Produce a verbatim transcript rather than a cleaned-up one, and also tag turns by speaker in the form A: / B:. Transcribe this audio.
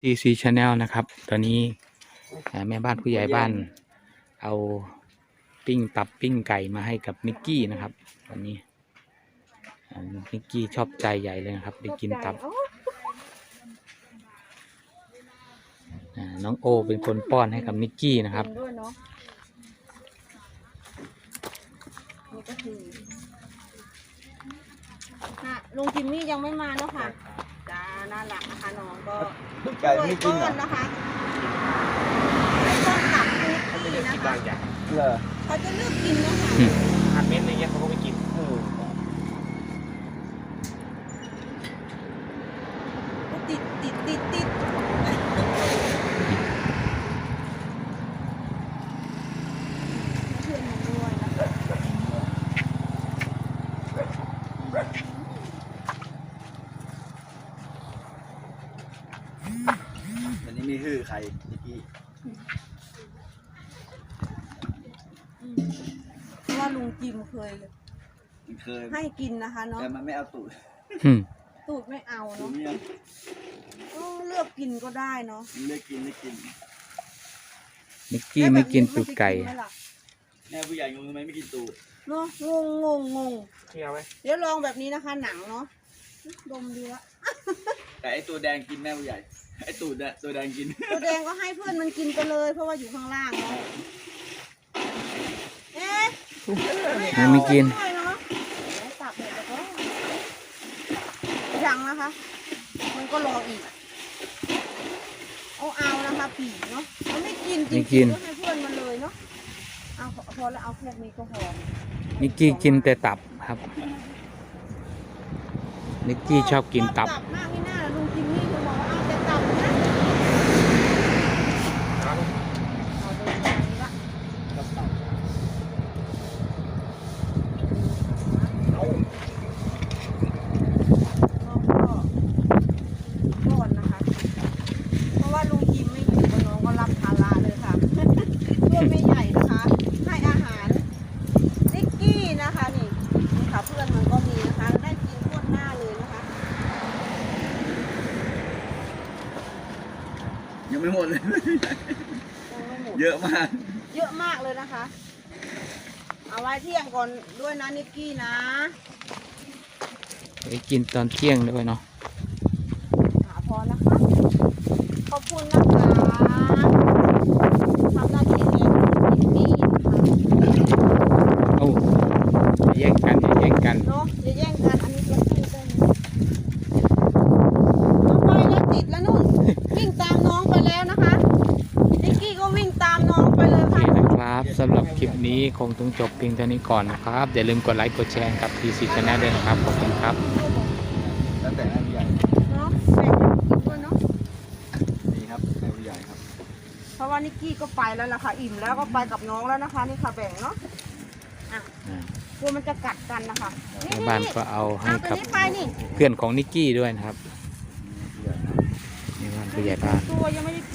A: ที ซี Channel นะครับ ตอนนี้แม่บ้านผู้ใหญ่บ้านเอาปิ้งตับปิ้งไก่มาให้กับนิกกี้นะครับตอนนี้นิกกี้ชอบใจใหญ่เลยนะครับได้กินตับน้องโอเป็นคนป้อนให้กับนิกกี้นะครับ
B: ลุงจิมมี่ยังไม่มาเนาะค่ะจ้าน่ารักนะคะน้องก็
C: ไก่ไม่กิน
B: ก้อนนะคะไก่ก้อนตับนิกกี้นะคะเขาจะเลือกกินนะคะ
A: อาเม็ดอะไรเงี้ยเขาก็ไม่กิน
B: ติดติดติดติดเพื่อนมันด้วยนะคะ
C: วันนี้มีฮือใครนิกกี้
B: เพราะว่าลุงจิมเคย
C: เคย
B: ให้กินนะคะเนาะ
C: แต่มันไม่เอาตูด
B: ตูดไม่เอาเนาะเลือกกินก็ได้เนาะ
C: เลือกกินไม่กิน
A: นิกกี้ไม่กินตูดไก่
C: แม่ผู้ใหญ่งงไหมไม่กินตูด
B: เนาะงงงงงงเดี๋ยวลองแบบนี้นะคะหนังเนาะดมดีละ
C: แต่ไอตัวแดงกินแม่ผู้ใหญ่ไอตูดอะตัวแดงกิน
B: ตัวแดงก็ให้เพื่อนมันกินไปเลยเพราะว่าอยู่ข้างล่างเนาะเอ๊ะ
A: ไม่กิน
B: ตับเลยแล้วก็ยังนะคะมันก็รออีกเอาเอานะคะผีเนาะมันไม่กินจริงๆก็ให้เพื่อนมันเลยเนาะเอาพอแล้วเอาแค่นี้ก็พอ
A: นิกกี้กินแต่ตับครับนิกกี้ชอบกินตับ
B: ตับมากไม่น่าลุงจิมมี่เขาบอกว่าเอาแต่ตับนะเอาดูตรงนี้ละก่อนนะคะเพราะว่าลุงจิมไม่อยู่กับน้องก็รับภาระเลยค่ะตัวไม่ใหญ่นะคะให้อาหารนิกกี้นะคะนี่นี่ค่ะเพื่อนมันก็มีนะคะได้กินทั่วหน้าเลยนะคะ
C: ยังไม่หมดเลยเยอะมาก
B: เยอะมากเลยนะคะเอาไว้เที่ยงก่อนด้วยนะนิกกี้นะ
A: ไปกินตอนเที่ยงด้วยเนาะ
B: พอนะคะขอบคุณนะคะทำหน้าที่เลี้ยงนิกกี้นะคะ
A: โอ้แย่งกันอย่าแย่งกัน
B: เนาะอย่าแย่งกันอันนี้จะพูดได้ไหมเอาไปแล้วติดแล้วนู่นวิ่งตามน้องไปแล้วนะคะนิกกี้ก็วิ่งตามน้องไปเลยค่ะ
A: นะครับสำหรับคลิปนี้คงต้องจบเพียงเท่านี้ก่อนนะครับอย่าลืมกดไลค์กดแชร์กับ ที ซี Channel ด้วยนะครับขอบคุณครับ
C: แล้วแต่ให้ผู้ใหญ่
B: เนาะแบ่งด้วยเนาะ
C: ดีครับให้ผู้ใหญ่ครับ
B: เพราะว่านิกกี้ก็ไปแล้วล่ะค่ะอิ่มแล้วก็ไปกับน้องแล้วนะคะนี่ค่ะแบ่งเนาะอ่ะกลัวมันจะกัดกันนะคะ
A: แม่บ้านก็เอาให้กับเพื่อนของนิกกี้ด้วยนะครับนี่บ้านผู้ใหญ่บ้าน
B: ตัวยังไม่ได้